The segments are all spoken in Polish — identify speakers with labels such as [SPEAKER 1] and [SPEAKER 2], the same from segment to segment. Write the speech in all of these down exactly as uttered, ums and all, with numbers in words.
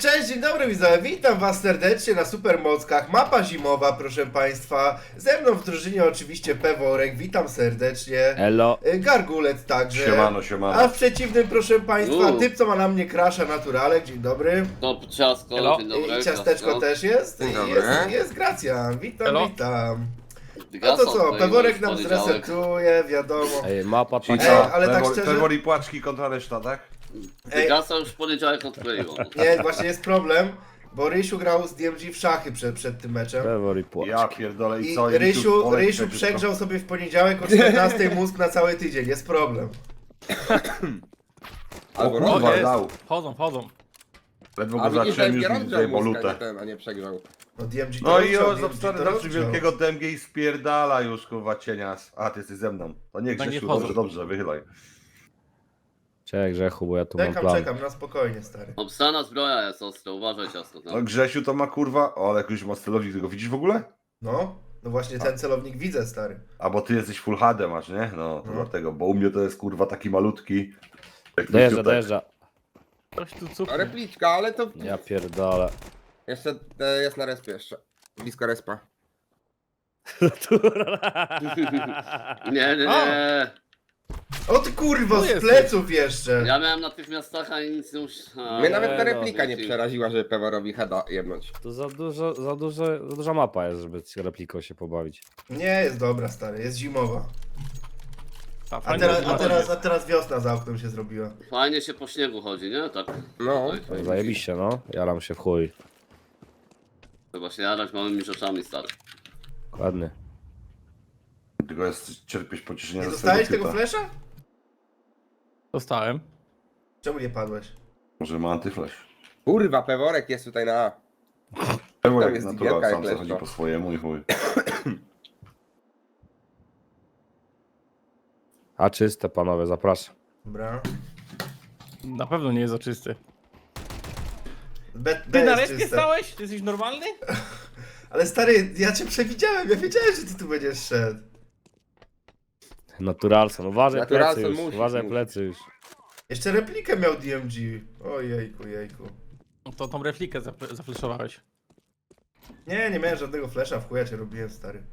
[SPEAKER 1] Cześć, dzień dobry widzowie, witam was serdecznie na Supermockach. Mapa zimowa, proszę państwa. Ze mną w drużynie oczywiście Peworek, witam serdecznie.
[SPEAKER 2] Elo.
[SPEAKER 1] Y, Gargulec także.
[SPEAKER 3] Siemano, siemano.
[SPEAKER 1] A w przeciwnym, proszę państwa,
[SPEAKER 4] Uuu.
[SPEAKER 1] typ co ma na mnie crasha naturalek, dzień dobry.
[SPEAKER 4] To ciastko,
[SPEAKER 2] Hello.
[SPEAKER 4] dzień dobry.
[SPEAKER 1] I ciasteczko też jest.
[SPEAKER 3] Dzień
[SPEAKER 1] I
[SPEAKER 3] dobry.
[SPEAKER 1] Jest, jest Gracjan, witam,
[SPEAKER 2] Hello.
[SPEAKER 1] witam. A
[SPEAKER 4] Gasa,
[SPEAKER 1] to co,
[SPEAKER 4] tutaj
[SPEAKER 1] Peworek
[SPEAKER 4] już
[SPEAKER 1] nam
[SPEAKER 4] poniedziałek.
[SPEAKER 1] zresetuje, wiadomo.
[SPEAKER 2] Ej, mapa
[SPEAKER 3] Czyli
[SPEAKER 2] taka.
[SPEAKER 1] Ej,
[SPEAKER 3] co,
[SPEAKER 1] ale tak
[SPEAKER 3] Pewor-
[SPEAKER 1] szczerze-
[SPEAKER 3] Pewor i płaczki kontra reszta, tak?
[SPEAKER 1] Ej.
[SPEAKER 4] Gasa już w poniedziałek odkleiło.
[SPEAKER 1] Nie, właśnie jest problem, bo Rysiu grał z D M G w szachy przed, przed tym meczem.
[SPEAKER 2] Trevor i płacz.
[SPEAKER 3] Ja pierdolę i
[SPEAKER 1] I
[SPEAKER 3] co? I
[SPEAKER 1] Rysiu,
[SPEAKER 3] Olek
[SPEAKER 1] Rysiu
[SPEAKER 3] przecież
[SPEAKER 1] przegrzał sobie w poniedziałek o czternastej mózg na cały tydzień, jest problem.
[SPEAKER 3] O
[SPEAKER 5] Albo
[SPEAKER 3] kurwa,
[SPEAKER 5] jest.
[SPEAKER 3] dał.
[SPEAKER 2] Wchodzą, wchodzą.
[SPEAKER 3] Ledwo
[SPEAKER 5] A
[SPEAKER 3] go
[SPEAKER 5] widzisz,
[SPEAKER 3] zacząłem
[SPEAKER 5] że
[SPEAKER 3] już mi
[SPEAKER 5] rozgrzał
[SPEAKER 3] tutaj
[SPEAKER 5] mózg, a nie
[SPEAKER 3] bolutę.
[SPEAKER 5] ten, a nie przegrzał.
[SPEAKER 1] No D M G to
[SPEAKER 3] No i
[SPEAKER 1] rozgrzał,
[SPEAKER 3] o,
[SPEAKER 1] D M G
[SPEAKER 3] stary,
[SPEAKER 1] to
[SPEAKER 3] znaczy
[SPEAKER 1] rozgrzał.
[SPEAKER 3] wielkiego D M G i spierdala już, kurwa, cienias. A, ty jesteś ze mną. To nie
[SPEAKER 2] Tak nie
[SPEAKER 3] Grzesiu,
[SPEAKER 2] wchodzą.
[SPEAKER 3] dobrze, dobrze, wychylaj.
[SPEAKER 2] Cześć Grzechu, bo ja tu mam
[SPEAKER 1] Czekam,
[SPEAKER 2] plan.
[SPEAKER 1] czekam, na spokojnie, stary.
[SPEAKER 4] Obstana zbroja jest ostra, uważaj ciastko.
[SPEAKER 3] No
[SPEAKER 4] Tak?
[SPEAKER 3] Grzesiu to ma kurwa, o, ale jakiś ma celownik, ty go widzisz w ogóle?
[SPEAKER 1] No, no właśnie ten celownik widzę, stary.
[SPEAKER 3] A bo ty jesteś full H D masz, nie? No, to
[SPEAKER 1] No.
[SPEAKER 3] dlatego, bo u mnie to jest kurwa taki malutki. Jak
[SPEAKER 2] Dojeżdża,
[SPEAKER 3] króciutek.
[SPEAKER 2] dojeżdża. Coś tu
[SPEAKER 5] No
[SPEAKER 2] cukru.
[SPEAKER 5] repliczka, ale to
[SPEAKER 2] Ja pierdolę.
[SPEAKER 5] jeszcze e, jest na respie jeszcze. Blisko respa.
[SPEAKER 4] Nie, nie, nie.
[SPEAKER 1] O ty kurwo,
[SPEAKER 2] Tu
[SPEAKER 1] z
[SPEAKER 2] jesteś.
[SPEAKER 1] pleców jeszcze.
[SPEAKER 4] Ja miałem na tych miastach, a nic nie musiałem.
[SPEAKER 5] Mnie nawet ta
[SPEAKER 2] no,
[SPEAKER 5] replika nie
[SPEAKER 4] wiecie.
[SPEAKER 5] przeraziła, żeby Peworowi heada jebnąć.
[SPEAKER 2] To za dużo, za dużo, za duża mapa jest, żeby z repliką się pobawić.
[SPEAKER 1] Nie, jest dobra, stary, jest zimowa.
[SPEAKER 2] A,
[SPEAKER 1] A teraz, a teraz, a teraz wiosna za oknem się zrobiła.
[SPEAKER 4] Fajnie się po śniegu chodzi, nie? Tak.
[SPEAKER 5] No.
[SPEAKER 4] Tutaj.
[SPEAKER 2] Zajebiście, no. Jaram się w chuj.
[SPEAKER 4] Trzeba się jarać małymi rzeczami, stary.
[SPEAKER 2] Ładny.
[SPEAKER 3] Tylko jest cierpieć pocieszenia
[SPEAKER 1] Nie
[SPEAKER 3] ze
[SPEAKER 1] dostałeś
[SPEAKER 3] swojego
[SPEAKER 1] tego
[SPEAKER 3] typa.
[SPEAKER 1] flesza?
[SPEAKER 2] Dostałem.
[SPEAKER 1] Czemu nie padłeś?
[SPEAKER 3] Może ma antyflash.
[SPEAKER 5] Kurwa, Peworek jest tutaj na...
[SPEAKER 3] Pewor
[SPEAKER 5] Tam
[SPEAKER 3] jak
[SPEAKER 5] jest
[SPEAKER 3] natural,
[SPEAKER 5] digielka
[SPEAKER 3] sam
[SPEAKER 5] jak
[SPEAKER 3] zachodzi
[SPEAKER 5] leszczo.
[SPEAKER 3] po swojemu i chuj.
[SPEAKER 2] A czyste panowie, zapraszam.
[SPEAKER 1] Dobra.
[SPEAKER 6] Na pewno nie jest oczysty.
[SPEAKER 1] B, B
[SPEAKER 6] Ty na
[SPEAKER 1] jest
[SPEAKER 6] respie
[SPEAKER 1] czyste.
[SPEAKER 6] stałeś? Ty jesteś normalny?
[SPEAKER 1] Ale stary, ja cię przewidziałem, ja wiedziałem, że ty tu będziesz szedł.
[SPEAKER 2] Naturalson, uważaj
[SPEAKER 5] Naturalson
[SPEAKER 2] plecy już,
[SPEAKER 5] musi,
[SPEAKER 2] uważaj
[SPEAKER 5] musi.
[SPEAKER 2] plecy już.
[SPEAKER 1] Jeszcze replikę miał D M G. Ojejku, jejku.
[SPEAKER 6] No to tą replikę zafle- zafleszowałeś.
[SPEAKER 1] Nie, nie miałem żadnego flesza, w chuja cię robiłem, stary.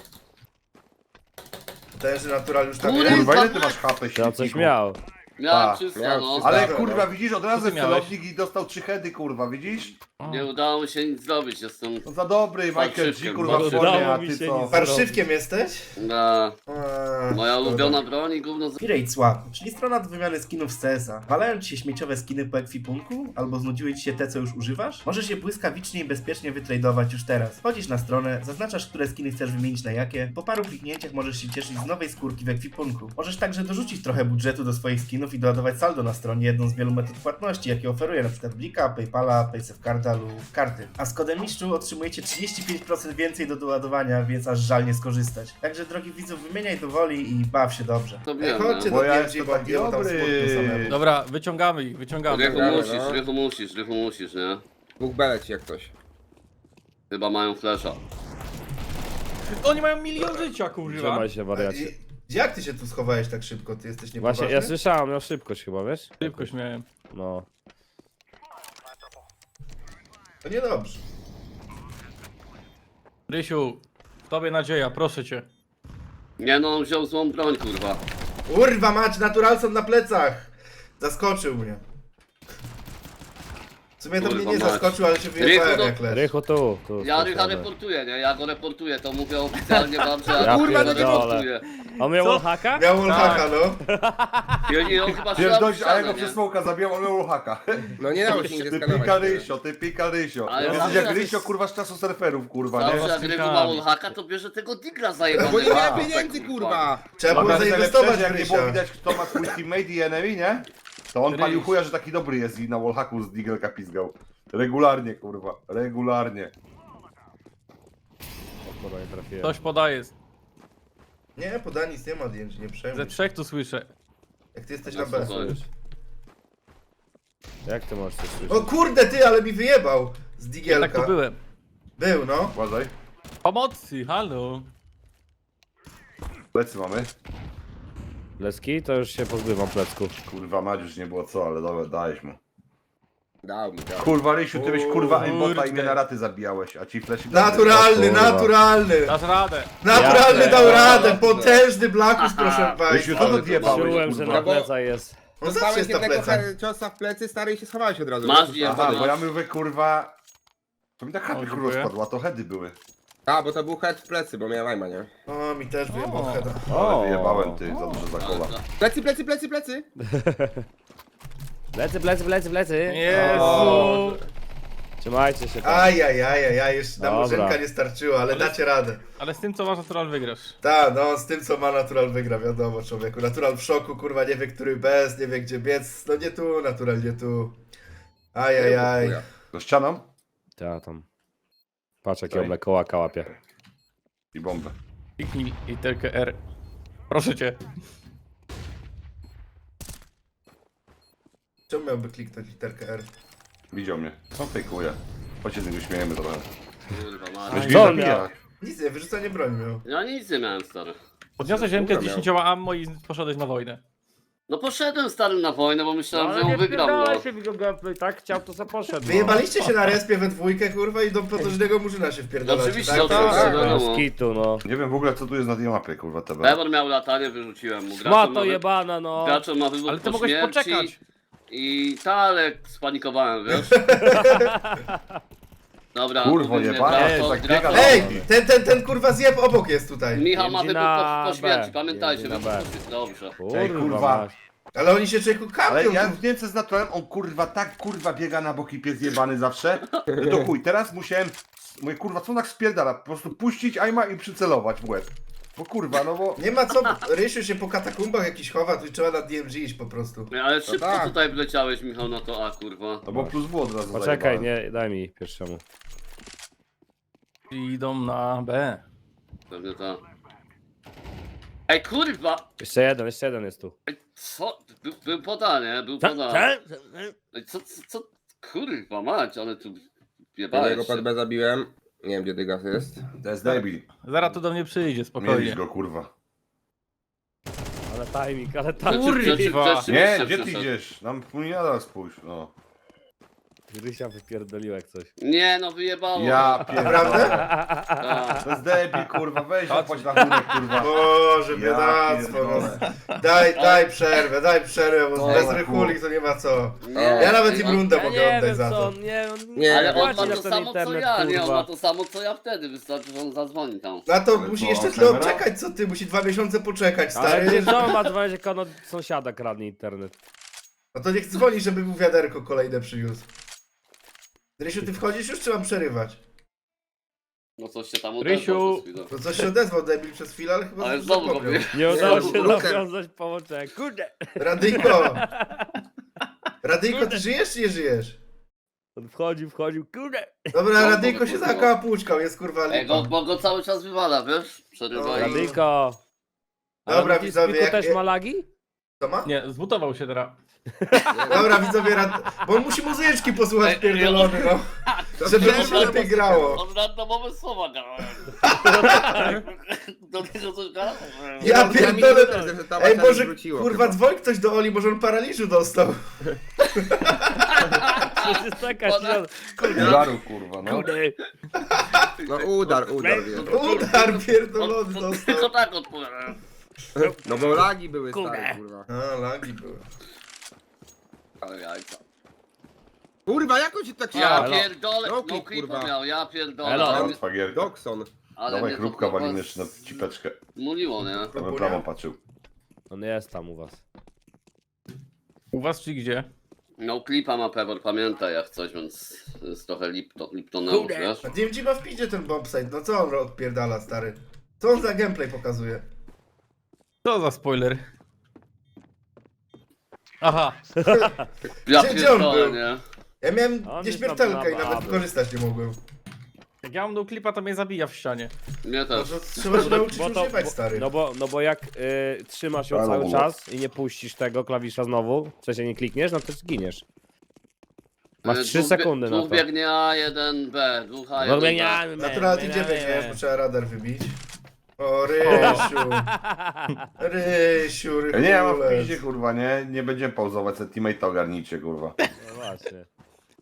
[SPEAKER 1] Ten, że natural już tam
[SPEAKER 4] Kurwa,
[SPEAKER 1] jest.
[SPEAKER 3] Kurwa, ile ty masz H P,
[SPEAKER 2] Ja coś
[SPEAKER 3] śmietniku?
[SPEAKER 2] miał.
[SPEAKER 4] Miałem
[SPEAKER 3] A,
[SPEAKER 4] czysto,
[SPEAKER 5] miałem
[SPEAKER 4] no.
[SPEAKER 5] czysto.
[SPEAKER 3] Ale
[SPEAKER 5] Dobra,
[SPEAKER 3] kurwa,
[SPEAKER 5] no.
[SPEAKER 3] widzisz, od razu
[SPEAKER 6] ty
[SPEAKER 3] jest
[SPEAKER 6] miałeś?
[SPEAKER 3] celownik i dostał trzy heady, kurwa, widzisz?
[SPEAKER 4] Nie udało mi się nic zrobić, jestem
[SPEAKER 3] No za dobry, Michael G,
[SPEAKER 4] Parszywkiem,
[SPEAKER 3] kurwa, w
[SPEAKER 2] udało
[SPEAKER 3] formie, a
[SPEAKER 2] mi
[SPEAKER 3] ty
[SPEAKER 2] się
[SPEAKER 3] co?
[SPEAKER 2] nic
[SPEAKER 1] Parszywkiem jesteś?
[SPEAKER 4] na...
[SPEAKER 1] Eee,
[SPEAKER 4] Moja
[SPEAKER 1] szkoda.
[SPEAKER 4] ulubiona broń i gówno z...
[SPEAKER 1] Pirate Swap, czyli strona do wymiany skinów z C S a. Walają ci się śmieciowe skiny po ekwipunku? Albo znudziły ci się te, co już używasz? Możesz je błyskawicznie i bezpiecznie wytradować już teraz. Wchodzisz na stronę, zaznaczasz, które skiny chcesz wymienić na jakie. Po paru kliknięciach możesz się cieszyć z nowej skórki w ekwipunku. Możesz także dorzucić trochę budżetu do swoich skinów i doładować saldo na stronie, jedną z wielu metod płatności, jakie oferuje np. Blika, Paypala, Paysafecarda lub karty. A z kodem mistrzu otrzymujecie trzydzieści pięć procent więcej do doładowania, więc aż żal nie skorzystać. Także drogi widzów, wymieniaj do woli i baw się dobrze.
[SPEAKER 4] To
[SPEAKER 1] Ej,
[SPEAKER 4] wiem,
[SPEAKER 1] chodźcie
[SPEAKER 4] no.
[SPEAKER 1] do
[SPEAKER 3] Bo ja
[SPEAKER 1] D M G,
[SPEAKER 3] jestem
[SPEAKER 1] bo
[SPEAKER 3] taki
[SPEAKER 1] jemu tam
[SPEAKER 3] dobry.
[SPEAKER 1] smutno samemu.
[SPEAKER 6] Dobra, wyciągamy ich, wyciągamy.
[SPEAKER 4] Rychu
[SPEAKER 5] Dobra,
[SPEAKER 4] musisz,
[SPEAKER 5] no.
[SPEAKER 4] Rychu musisz, Rychu musisz, nie?
[SPEAKER 5] Dwóch belec jak ktoś.
[SPEAKER 4] Chyba mają flesza.
[SPEAKER 6] Oni mają milion życia, kurwa.
[SPEAKER 2] Trzymaj się wariacie.
[SPEAKER 1] I- Jak ty się tu schowałeś tak szybko? Ty jesteś
[SPEAKER 2] Właśnie,
[SPEAKER 1] niepoważny?
[SPEAKER 2] ja słyszałem, miał szybkość chyba, wiesz?
[SPEAKER 6] Szybko śmiałem.
[SPEAKER 2] No.
[SPEAKER 1] To niedobrze.
[SPEAKER 6] Rysiu, w tobie nadzieja, proszę cię.
[SPEAKER 4] Nie no, on wziął złą broń, kurwa.
[SPEAKER 1] Urwa mać, naturalson na plecach! Zaskoczył mnie. W sumie to
[SPEAKER 4] Kurwa
[SPEAKER 1] mnie nie
[SPEAKER 4] mać.
[SPEAKER 1] zaskoczył, ale się wyjechałem
[SPEAKER 4] Rychu, no-
[SPEAKER 1] jak leż.
[SPEAKER 2] Rychu tu, tu.
[SPEAKER 4] Ja
[SPEAKER 2] tu
[SPEAKER 4] Rycha
[SPEAKER 2] siadę.
[SPEAKER 4] reportuję, nie? Ja go reportuję, to mówię oficjalnie wam, że
[SPEAKER 2] Ja
[SPEAKER 4] ja
[SPEAKER 5] kurwa, no nie
[SPEAKER 4] reportuję.
[SPEAKER 2] On miał
[SPEAKER 6] Co?
[SPEAKER 2] wallhacka?
[SPEAKER 1] Miał wallhacka, no.
[SPEAKER 4] I, I on chyba
[SPEAKER 3] Wiesz,
[SPEAKER 4] szedł
[SPEAKER 3] dość, a ja go
[SPEAKER 4] nie?
[SPEAKER 3] przez smoka zabijam, on miał haka.
[SPEAKER 5] No nie dało się nigdzie
[SPEAKER 3] Ty
[SPEAKER 5] skanować.
[SPEAKER 3] pika Rysio, ty pika Rysio.
[SPEAKER 4] Ale
[SPEAKER 3] Jesteś
[SPEAKER 4] zawsze
[SPEAKER 3] jak
[SPEAKER 4] jak
[SPEAKER 3] Rysio,
[SPEAKER 4] jest-
[SPEAKER 3] kurwa, z czasu surferów, kurwa,
[SPEAKER 4] Zawsze
[SPEAKER 3] nie?
[SPEAKER 4] jak Rychu ma wallhacka, to bierze tego digla
[SPEAKER 5] No
[SPEAKER 4] zajebanego.
[SPEAKER 5] bo nie miałem
[SPEAKER 3] A,
[SPEAKER 5] pieniędzy, kurwa!
[SPEAKER 1] Trzeba było
[SPEAKER 3] Pamiętasz,
[SPEAKER 1] zainwestować
[SPEAKER 3] najlepsze,
[SPEAKER 1] w
[SPEAKER 3] jak nie było
[SPEAKER 1] Rysia.
[SPEAKER 3] widać, kto ma twój teammate i enemy, nie? To on
[SPEAKER 6] Ryś.
[SPEAKER 3] palił chuja, że taki dobry jest i na wallhacku z digelka pizgał. Regularnie, kurwa, regularnie.
[SPEAKER 2] Kurwa, nie trafiłem.
[SPEAKER 6] Ktoś podaje.
[SPEAKER 1] Nie, poda nic nie ma D M G, nie
[SPEAKER 6] Ze
[SPEAKER 1] przejmuj.
[SPEAKER 6] trzech tu słyszę.
[SPEAKER 1] Jak ty jesteś
[SPEAKER 4] Ja
[SPEAKER 1] na B.
[SPEAKER 4] słuchaj.
[SPEAKER 2] Jak ty możesz coś słyszeć?
[SPEAKER 1] O kurde ty, ale mi wyjebał z
[SPEAKER 6] Ja tak
[SPEAKER 1] digielka.
[SPEAKER 6] tu byłem.
[SPEAKER 1] Był, no.
[SPEAKER 3] Uważaj,
[SPEAKER 6] Pomocy, halo.
[SPEAKER 3] plecy mamy.
[SPEAKER 2] Leski? To już się pozbywam plecków.
[SPEAKER 3] Kurwa, Mać już nie było co, ale dobra, dałeś mu.
[SPEAKER 5] Dał mi, dał.
[SPEAKER 3] Kurwa, Rysiu, ty byś kurwa aimbota i
[SPEAKER 6] Kurde.
[SPEAKER 3] mnie na raty zabijałeś, a ci fleszy...
[SPEAKER 1] Naturalny,
[SPEAKER 3] O, kurwa.
[SPEAKER 1] naturalny!
[SPEAKER 6] Dasz radę.
[SPEAKER 1] Naturalny
[SPEAKER 2] Ja
[SPEAKER 1] dał
[SPEAKER 5] pierdolę.
[SPEAKER 1] radę, potężny Blackus, proszę
[SPEAKER 3] Rysiu,
[SPEAKER 1] państwa.
[SPEAKER 3] co to odjebałeś,
[SPEAKER 2] Czułem, że na
[SPEAKER 3] kurwa?
[SPEAKER 5] bo-
[SPEAKER 2] plecach jest.
[SPEAKER 1] On zawsze
[SPEAKER 5] Dostałeś
[SPEAKER 1] jest na
[SPEAKER 5] jednego
[SPEAKER 1] plecach.
[SPEAKER 5] he- ciosa w plecy, stary, i się schowałeś od razu.
[SPEAKER 4] Masz
[SPEAKER 5] wiesz?
[SPEAKER 4] je-
[SPEAKER 3] Aha,
[SPEAKER 4] Masz.
[SPEAKER 3] bo ja mówię, kurwa... To mi tak
[SPEAKER 6] O,
[SPEAKER 3] chaty kurwa
[SPEAKER 6] dziękuję.
[SPEAKER 3] spadła, to heady były.
[SPEAKER 5] A, bo to był head w plecy, bo miałem aima, nie?
[SPEAKER 1] O, mi też wyjebał
[SPEAKER 6] O.
[SPEAKER 1] heada.
[SPEAKER 3] Ale wyjebałem, ty, za dużo za kola.
[SPEAKER 5] Plecy, plecy, plecy, plecy!
[SPEAKER 2] Plecy, plecy, plecy, plecy.
[SPEAKER 6] Jezu.
[SPEAKER 2] O. Trzymajcie się tam.
[SPEAKER 1] Ajajajajaj, jeszcze na
[SPEAKER 2] Dobra.
[SPEAKER 1] murzynka nie starczyło, ale dacie radę.
[SPEAKER 6] Ale z tym co masz natural wygrasz.
[SPEAKER 1] Ta, no, z tym co ma Natural wygra, wiadomo, człowieku. Natural w szoku, kurwa, nie wie, który bez, nie wie, gdzie biec. No nie tu, Natural, nie tu. Ajajaj.
[SPEAKER 5] Chuja.
[SPEAKER 3] Do ścianą
[SPEAKER 2] Ta tam. Patrz jakie
[SPEAKER 3] Daj.
[SPEAKER 2] oblekoła kałapie.
[SPEAKER 3] i bombę.
[SPEAKER 6] Kliknij literkę R. Proszę cię.
[SPEAKER 1] Czemu miałby kliknąć literkę R?
[SPEAKER 3] Widział mnie. Co fejkuje? Chodź się z niego śmiejemy trochę.
[SPEAKER 4] Kurwa,
[SPEAKER 3] Weź
[SPEAKER 4] masz.
[SPEAKER 3] mnie
[SPEAKER 2] Co on
[SPEAKER 3] zabija.
[SPEAKER 2] miał?
[SPEAKER 1] Nic nie, wyrzucanie broni miał.
[SPEAKER 4] Ja nic nie miałem, stary.
[SPEAKER 6] Podniosłeś rękę z
[SPEAKER 5] Kurwa miał.
[SPEAKER 6] dziesięcioma ammo i poszedłeś na wojnę.
[SPEAKER 4] No poszedłem, stary, na wojnę, bo myślałem, że ją wygram, no.
[SPEAKER 2] się w jego gameplay, tak chciał, to co poszedł.
[SPEAKER 1] Wyjebaliście się na respie we dwójkę, kurwa, i do potężnego murzyna się wpierdalacie,
[SPEAKER 4] No oczywiście,
[SPEAKER 1] tak?
[SPEAKER 4] oczywiście,
[SPEAKER 1] Tak,
[SPEAKER 4] no.
[SPEAKER 1] tak.
[SPEAKER 2] No, skitu, no.
[SPEAKER 3] Nie wiem w ogóle co tu jest na tej mapie, kurwa, T V.
[SPEAKER 4] Pebor miał latanie, wyrzuciłem mu. Graczem
[SPEAKER 2] Ma
[SPEAKER 4] ma
[SPEAKER 2] to
[SPEAKER 4] wy-
[SPEAKER 2] jebana, no.
[SPEAKER 4] Graczem ma wywód
[SPEAKER 6] Ale ty
[SPEAKER 4] po
[SPEAKER 6] mogłeś
[SPEAKER 4] śmierci.
[SPEAKER 6] poczekać.
[SPEAKER 4] I tak, spanikowałem, wiesz? Dobra,
[SPEAKER 3] Kurwo,
[SPEAKER 4] mówię,
[SPEAKER 3] jebana,
[SPEAKER 4] Graco-
[SPEAKER 3] tak
[SPEAKER 4] Graco-
[SPEAKER 3] biega.
[SPEAKER 1] Ej, ten, ten, ten kurwa zjeb obok jest tutaj.
[SPEAKER 4] Michał ma
[SPEAKER 2] Jedzie
[SPEAKER 4] wybór
[SPEAKER 2] na
[SPEAKER 4] po, po śmierci,
[SPEAKER 2] B.
[SPEAKER 4] pamiętajcie,
[SPEAKER 2] Jedzie na
[SPEAKER 4] wybór
[SPEAKER 2] B.
[SPEAKER 4] po śmierci. Dobrze.
[SPEAKER 2] Kurwa,
[SPEAKER 3] Ej, kurwa.
[SPEAKER 2] mać.
[SPEAKER 1] Ale oni się człowieku
[SPEAKER 3] Ale
[SPEAKER 1] kapią.
[SPEAKER 3] ja
[SPEAKER 1] tu.
[SPEAKER 3] w Niemce z naturalem, on kurwa tak kurwa biega na boki pies jebany zawsze. I to chuj, teraz musiałem, mówię kurwa co on tak spierdala, po prostu puścić aima i przycelować w łeb. Bo kurwa, no bo...
[SPEAKER 1] Nie ma co, Rysiu się po katakumbach jakiś chowa, tu trzeba na D M G iść po prostu.
[SPEAKER 4] Nie, Ale szybko
[SPEAKER 5] tak.
[SPEAKER 4] tutaj wleciałeś, Michał, na to A, kurwa.
[SPEAKER 3] No bo plus W od razu
[SPEAKER 2] Poczekaj,
[SPEAKER 3] zajebałem.
[SPEAKER 2] nie, daj mi pierwszemu.
[SPEAKER 6] Idą na B.
[SPEAKER 4] Pewnie ta. Ej, kurwa!
[SPEAKER 2] Jeszcze jeden, jeszcze jeden jest tu.
[SPEAKER 4] Ej, co? Był, był poda, nie? Był
[SPEAKER 2] Ta-
[SPEAKER 4] poda.
[SPEAKER 2] ta-
[SPEAKER 4] Ej, co, co, co? Kurwa mać, ale tu
[SPEAKER 5] Jednego
[SPEAKER 4] jebałeś
[SPEAKER 5] pod
[SPEAKER 4] się.
[SPEAKER 5] B zabiłem. Nie wiem, gdzie Dygas jest.
[SPEAKER 3] To jest debil.
[SPEAKER 6] Zaraz tu do mnie przyjdzie,
[SPEAKER 3] Mieliś
[SPEAKER 6] spokojnie.
[SPEAKER 3] go kurwa.
[SPEAKER 2] Ale timing, ale
[SPEAKER 4] Kurwa.
[SPEAKER 2] timing.
[SPEAKER 6] Kurwa.
[SPEAKER 3] Nie, gdzie ty idziesz? Nam płyniada spójrz, no.
[SPEAKER 2] Rysia wypierdolił jak coś.
[SPEAKER 4] Nie no, wyjebało.
[SPEAKER 3] Ja pierdolę.
[SPEAKER 1] Naprawdę?
[SPEAKER 4] Tak.
[SPEAKER 3] To jest debil kurwa, weź zapłać rachunek kurwa.
[SPEAKER 1] Boże,
[SPEAKER 3] Ja
[SPEAKER 1] biedactwo. No.
[SPEAKER 3] pierdolę.
[SPEAKER 1] Daj, daj przerwę, daj przerwę, bo
[SPEAKER 3] No,
[SPEAKER 1] bez
[SPEAKER 3] kurwa.
[SPEAKER 1] rychulik to nie ma co.
[SPEAKER 4] Nie,
[SPEAKER 1] Ja nawet im
[SPEAKER 4] on-
[SPEAKER 1] rundę
[SPEAKER 2] Ja
[SPEAKER 1] mogę
[SPEAKER 2] nie
[SPEAKER 1] oddać
[SPEAKER 2] wiem
[SPEAKER 1] za
[SPEAKER 2] co
[SPEAKER 1] to.
[SPEAKER 2] on, nie, on
[SPEAKER 5] Nie,
[SPEAKER 4] Ale on
[SPEAKER 2] płaci
[SPEAKER 4] ma
[SPEAKER 2] na
[SPEAKER 4] to
[SPEAKER 2] ten
[SPEAKER 4] samo co
[SPEAKER 2] internet,
[SPEAKER 4] ja, nie? On
[SPEAKER 2] kurwa.
[SPEAKER 4] ma to samo co ja wtedy, wystarczy, że on zadzwoni tam.
[SPEAKER 1] Na to
[SPEAKER 3] Ale
[SPEAKER 1] musi
[SPEAKER 3] co,
[SPEAKER 1] jeszcze tyle
[SPEAKER 3] kamera?
[SPEAKER 1] odczekać, co ty, musi dwa miesiące poczekać,
[SPEAKER 2] Ale
[SPEAKER 1] stary.
[SPEAKER 2] gdzie to ma dzwonić, jak on od sąsiada kradnie internet.
[SPEAKER 1] No to niech dzwoni, żeby mu wiaderko kolejne przyniósł. Rysiu, ty wchodzisz już, czy mam przerywać?
[SPEAKER 4] No coś się tam
[SPEAKER 6] Rysiu.
[SPEAKER 4] odezwał przez chwilę.
[SPEAKER 1] No coś się odezwał debil przez chwilę, ale chyba
[SPEAKER 4] Ale
[SPEAKER 1] już
[SPEAKER 4] znowu
[SPEAKER 1] zapomniał.
[SPEAKER 4] go
[SPEAKER 2] Nie udało
[SPEAKER 5] Nie,
[SPEAKER 2] się
[SPEAKER 5] Luker.
[SPEAKER 2] nawiązać połączenia. Kurde!
[SPEAKER 1] Radyjko! Radyjko, ty żyjesz czy nie żyjesz?
[SPEAKER 2] On wchodził, wchodził, kurde!
[SPEAKER 1] Dobra,
[SPEAKER 4] No,
[SPEAKER 1] Radyjko
[SPEAKER 4] bo-
[SPEAKER 1] się
[SPEAKER 4] bo-
[SPEAKER 1] zakapuczkał, jest kurwa
[SPEAKER 4] Ej, go,
[SPEAKER 1] lipa.
[SPEAKER 4] bo go cały czas wywala, wiesz? Przerywa
[SPEAKER 1] No
[SPEAKER 4] i...
[SPEAKER 1] i-
[SPEAKER 2] Radyjko!
[SPEAKER 1] Dobra,
[SPEAKER 2] Ale
[SPEAKER 1] widzowie,
[SPEAKER 2] Piku
[SPEAKER 1] jak-
[SPEAKER 2] też
[SPEAKER 1] jak-
[SPEAKER 2] ma lagi?
[SPEAKER 1] Co ma?
[SPEAKER 6] Nie, zbutował się teraz.
[SPEAKER 1] Dobra, widzowie, rad... bo on musi muzyczki posłuchać
[SPEAKER 4] Ej,
[SPEAKER 1] pierdolony, no. Żeby mu się lepiej grało.
[SPEAKER 4] On randomowe słowa grałem. Do tego coś grałem.
[SPEAKER 1] Ja
[SPEAKER 5] No,
[SPEAKER 1] pierdolę.
[SPEAKER 5] ja mi- że ta
[SPEAKER 1] Ej,
[SPEAKER 5] wasza
[SPEAKER 1] może,
[SPEAKER 5] wróciło
[SPEAKER 1] kurwa,
[SPEAKER 5] chyba.
[SPEAKER 1] dzwoń ktoś do Oli, może on paraliżu dostał.
[SPEAKER 2] To jest taka
[SPEAKER 4] Ona-
[SPEAKER 2] środa.
[SPEAKER 3] Udaru kurwa, no.
[SPEAKER 2] Kurde!
[SPEAKER 5] No udar, udar, wiesz.
[SPEAKER 1] Udar pierdolony
[SPEAKER 4] On- on-
[SPEAKER 1] dostał.
[SPEAKER 4] Tylko tak odpowiadam.
[SPEAKER 5] No bo lagi były
[SPEAKER 2] Kurde.
[SPEAKER 5] stare, kurwa.
[SPEAKER 1] A, lagi były.
[SPEAKER 4] Ale jajca.
[SPEAKER 5] Kurwa, jak on ci tak się...
[SPEAKER 4] Ja
[SPEAKER 2] Elo.
[SPEAKER 4] pierdolę,
[SPEAKER 5] No
[SPEAKER 4] no
[SPEAKER 5] klip,
[SPEAKER 4] klipu
[SPEAKER 5] kurwa.
[SPEAKER 4] miał, ja pierdolę.
[SPEAKER 2] Elo.
[SPEAKER 4] Ale,
[SPEAKER 3] Martwa gierka.
[SPEAKER 5] Dokson.
[SPEAKER 4] ale
[SPEAKER 3] Dawaj
[SPEAKER 4] mnie to
[SPEAKER 3] chrupka
[SPEAKER 4] kurwa
[SPEAKER 3] walimy jeszcze na cipeczkę.
[SPEAKER 4] Muliło, nie?
[SPEAKER 3] Ja bym prawą patrzył.
[SPEAKER 2] On jest tam u was.
[SPEAKER 6] U was czy gdzie?
[SPEAKER 4] No klipa ma Pebor, pamiętaj jak coś, więc jest trochę lipto, liptoneusz,
[SPEAKER 2] Kurde.
[SPEAKER 4] wiesz?
[SPEAKER 1] A D M G ma w piździe ten bombsite, no co on odpierdala, stary? Co on za gameplay pokazuje?
[SPEAKER 6] Co za spoiler?
[SPEAKER 4] Ja
[SPEAKER 1] Gdzie- gdzie on
[SPEAKER 4] pierdolę,
[SPEAKER 1] był?
[SPEAKER 4] nie?
[SPEAKER 1] Ja miałem
[SPEAKER 2] On jest
[SPEAKER 1] nieśmiertelkę i
[SPEAKER 2] na- na
[SPEAKER 1] nawet
[SPEAKER 2] baby.
[SPEAKER 1] wykorzystać nie mogłem.
[SPEAKER 6] Jak ja mam do klipa, to mnie zabija w ścianie.
[SPEAKER 4] Mnie
[SPEAKER 1] No
[SPEAKER 4] też.
[SPEAKER 1] to trzeba się nauczyć
[SPEAKER 2] Bo to,
[SPEAKER 1] używać,
[SPEAKER 2] bo,
[SPEAKER 1] stary.
[SPEAKER 2] no, bo, no bo jak y, trzymasz ją
[SPEAKER 3] Ale
[SPEAKER 2] cały
[SPEAKER 3] bo-
[SPEAKER 2] czas i nie puścisz tego klawisza znowu, w sensie nie klikniesz, no to zginiesz. Masz
[SPEAKER 4] E,
[SPEAKER 2] trzy
[SPEAKER 4] dwóch bie-
[SPEAKER 2] sekundy na
[SPEAKER 4] Dwóch
[SPEAKER 2] to.
[SPEAKER 4] biegnie A, jeden B, dwóch A,
[SPEAKER 2] No
[SPEAKER 4] jeden B.
[SPEAKER 2] biegniemy,
[SPEAKER 1] Naturalnie
[SPEAKER 2] biegniemy.
[SPEAKER 1] gdzie biegniesz, bo trzeba radar wybić. O, Rysiu. Rysiu,
[SPEAKER 3] Ja nie, ja mam w
[SPEAKER 1] Rychulec.
[SPEAKER 3] piździe kurwa, nie? Nie będziemy pauzować, se teammate ogarnijcie kurwa.
[SPEAKER 2] No właśnie.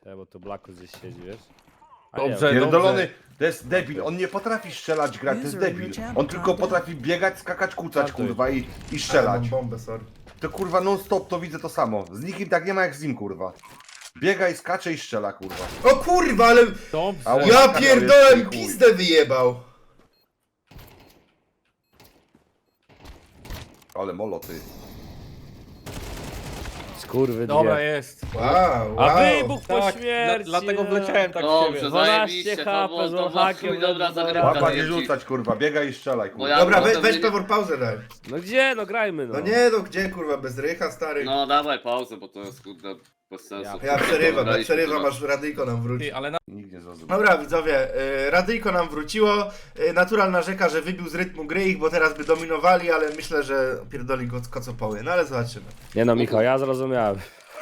[SPEAKER 2] Te, bo tu Blacku gdzieś siedzi, wiesz? A nie,
[SPEAKER 6] Dobrze.
[SPEAKER 3] Pierdolony, to jest debil, on nie potrafi strzelać, grać, to jest debil. On tylko potrafi biegać, skakać, kucać, kurwa, i, i strzelać.
[SPEAKER 1] Mam bombę, sorry.
[SPEAKER 3] To kurwa non stop to widzę to samo. Z nikim tak nie ma jak z nim, kurwa. Biega i skacze i strzela, kurwa.
[SPEAKER 1] O kurwa, ale
[SPEAKER 6] Dobrze.
[SPEAKER 3] Ała.
[SPEAKER 1] ja
[SPEAKER 3] Taka
[SPEAKER 1] pierdolę,
[SPEAKER 3] jest
[SPEAKER 1] mi
[SPEAKER 3] chuj.
[SPEAKER 1] pizdę wyjebał.
[SPEAKER 3] Ale molo, ty.
[SPEAKER 2] skurwy
[SPEAKER 6] Dobra,
[SPEAKER 2] dwie.
[SPEAKER 6] jest.
[SPEAKER 1] Wow, wow.
[SPEAKER 2] A wybuch po
[SPEAKER 6] Tak,
[SPEAKER 2] śmierci.
[SPEAKER 6] dla, dlatego
[SPEAKER 2] no.
[SPEAKER 6] wleciałem tak w
[SPEAKER 4] Dobrze,
[SPEAKER 6] ciebie.
[SPEAKER 4] zajebiście,
[SPEAKER 2] dwanaście
[SPEAKER 4] to
[SPEAKER 2] H P
[SPEAKER 4] było,
[SPEAKER 2] z
[SPEAKER 4] to było
[SPEAKER 2] hakiem,
[SPEAKER 4] chuj, dobra
[SPEAKER 2] no,
[SPEAKER 4] zagrywka.
[SPEAKER 3] Łapa
[SPEAKER 4] daję
[SPEAKER 3] nie
[SPEAKER 4] ci.
[SPEAKER 3] rzucać, kurwa, biega i strzelaj,
[SPEAKER 4] Bo
[SPEAKER 3] kurwa.
[SPEAKER 4] ja-
[SPEAKER 1] Dobra, we,
[SPEAKER 4] potem
[SPEAKER 1] weź
[SPEAKER 4] nie-
[SPEAKER 1] Pewor pauzę daj.
[SPEAKER 2] No gdzie? No grajmy, no.
[SPEAKER 1] No nie, no gdzie kurwa, bez rycha, stary.
[SPEAKER 4] No dawaj pauzę, bo to jest kurde bez sensu.
[SPEAKER 1] Ja przerywam, ja
[SPEAKER 4] Graliśmy
[SPEAKER 1] przerywam,
[SPEAKER 4] teraz.
[SPEAKER 1] aż radyjko nam wróci.
[SPEAKER 6] Ty, ale na...
[SPEAKER 3] Nikt nie zrozumiał.
[SPEAKER 1] Dobra widzowie, y, radyjko nam wróciło. Y, Natural narzeka, że wybił z rytmu gry ich, bo teraz by dominowali, ale myślę, że pierdoli go kocopoły. No ale zobaczymy.
[SPEAKER 2] Nie no, Michał, ja zrozumiałem.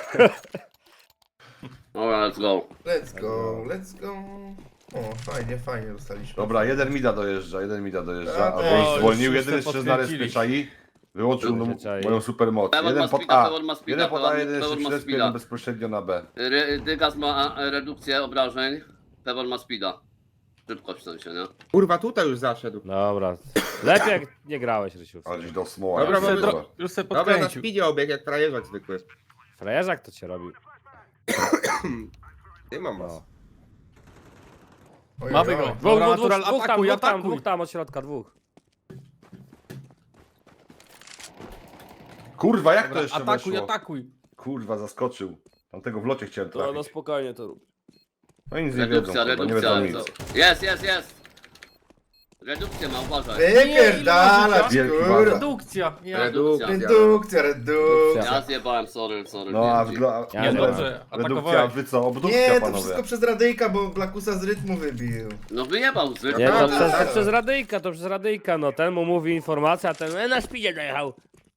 [SPEAKER 4] Dobra, let's go.
[SPEAKER 1] Let's go, let's go. O, fajnie, fajnie dostaliśmy.
[SPEAKER 3] Dobra, jeden mida dojeżdża, jeden mida dojeżdża,
[SPEAKER 1] A,
[SPEAKER 3] a
[SPEAKER 1] to
[SPEAKER 3] bo
[SPEAKER 6] już
[SPEAKER 3] już zwolnił,
[SPEAKER 6] wszyscy
[SPEAKER 3] jedyny strzelec na respie
[SPEAKER 6] podkręcili.
[SPEAKER 3] czai. Wyłączył
[SPEAKER 2] Wszyscy
[SPEAKER 3] no,
[SPEAKER 2] czai.
[SPEAKER 3] moją supermoc.
[SPEAKER 4] Pewor
[SPEAKER 3] Jeden
[SPEAKER 4] ma
[SPEAKER 3] pod
[SPEAKER 4] speeda,
[SPEAKER 3] A,
[SPEAKER 4] Pewor ma speeda,
[SPEAKER 3] jeden pod A,
[SPEAKER 4] Pewor-
[SPEAKER 3] jeden jeszcze
[SPEAKER 4] Pewor ma
[SPEAKER 3] przy respie,
[SPEAKER 4] speeda.
[SPEAKER 3] jeden bezpośrednio na B.
[SPEAKER 4] Ry- Dygas ma e, redukcję obrażeń, Pewor ma speeda. Szybkość w sensie, nie?
[SPEAKER 5] Kurwa, tutaj już zaszedł.
[SPEAKER 2] Dobra. Lepiej jak nie grałeś, Rysiu.
[SPEAKER 3] Ale gdzieś do smoła.
[SPEAKER 5] Dobra,
[SPEAKER 3] ja
[SPEAKER 6] Już se,
[SPEAKER 3] pierdolę.
[SPEAKER 6] dro... już se
[SPEAKER 5] Dobra, na
[SPEAKER 6] podkręcił.
[SPEAKER 5] speedzie obieg jak frajerzak zwykły.
[SPEAKER 2] Frajerzak to cię robił.
[SPEAKER 5] Ty mam was.
[SPEAKER 2] No.
[SPEAKER 1] Oj,
[SPEAKER 6] Mamy
[SPEAKER 1] oj,
[SPEAKER 6] go.
[SPEAKER 1] oj.
[SPEAKER 2] Dwóch,
[SPEAKER 6] Dobra,
[SPEAKER 2] dwóch, dwóch,
[SPEAKER 6] natural,
[SPEAKER 2] dwóch tam,
[SPEAKER 6] atakuj,
[SPEAKER 2] dwóch tam,
[SPEAKER 6] atakuj.
[SPEAKER 2] dwóch tam od środka, dwóch.
[SPEAKER 3] Kurwa, jak to
[SPEAKER 6] Dobra,
[SPEAKER 3] jeszcze
[SPEAKER 6] atakuj,
[SPEAKER 3] weszło?
[SPEAKER 6] atakuj.
[SPEAKER 3] Kurwa, zaskoczył. Tamtego w locie chciałem
[SPEAKER 2] To no
[SPEAKER 3] trafić.
[SPEAKER 2] spokojnie to rób.
[SPEAKER 3] No i nic nie wiedzą,
[SPEAKER 4] Redukcja,
[SPEAKER 3] kurwa, nie
[SPEAKER 4] redukcja.
[SPEAKER 3] wiedzą nic.
[SPEAKER 4] co- Jest, jest, jest! Redukcję ma, uważaj.
[SPEAKER 1] Wypierdalać,
[SPEAKER 3] Wielki
[SPEAKER 1] kurwa.
[SPEAKER 3] bazar.
[SPEAKER 6] Redukcja. Ja...
[SPEAKER 5] Redukcja.
[SPEAKER 1] Redukcja, redukcja.
[SPEAKER 4] Ja zjebałem, sorry, sorry.
[SPEAKER 3] No a
[SPEAKER 4] D M G.
[SPEAKER 3] wgla...
[SPEAKER 2] Ja
[SPEAKER 6] Nie,
[SPEAKER 2] nie
[SPEAKER 6] dobrze,
[SPEAKER 3] Redukcja,
[SPEAKER 6] atakowałeś.
[SPEAKER 3] wy co? Obdukcja,
[SPEAKER 1] Nie, to
[SPEAKER 3] panowie.
[SPEAKER 1] wszystko przez radyjka, bo Blackusa z rytmu wybił.
[SPEAKER 4] No wyjebał z
[SPEAKER 2] Nie, to
[SPEAKER 5] Dobra,
[SPEAKER 2] przez, to
[SPEAKER 5] dobra.
[SPEAKER 2] przez radyjka, to przez radyjka, no ten mu mówi informacja, a ten e, na szpidzie dojechał.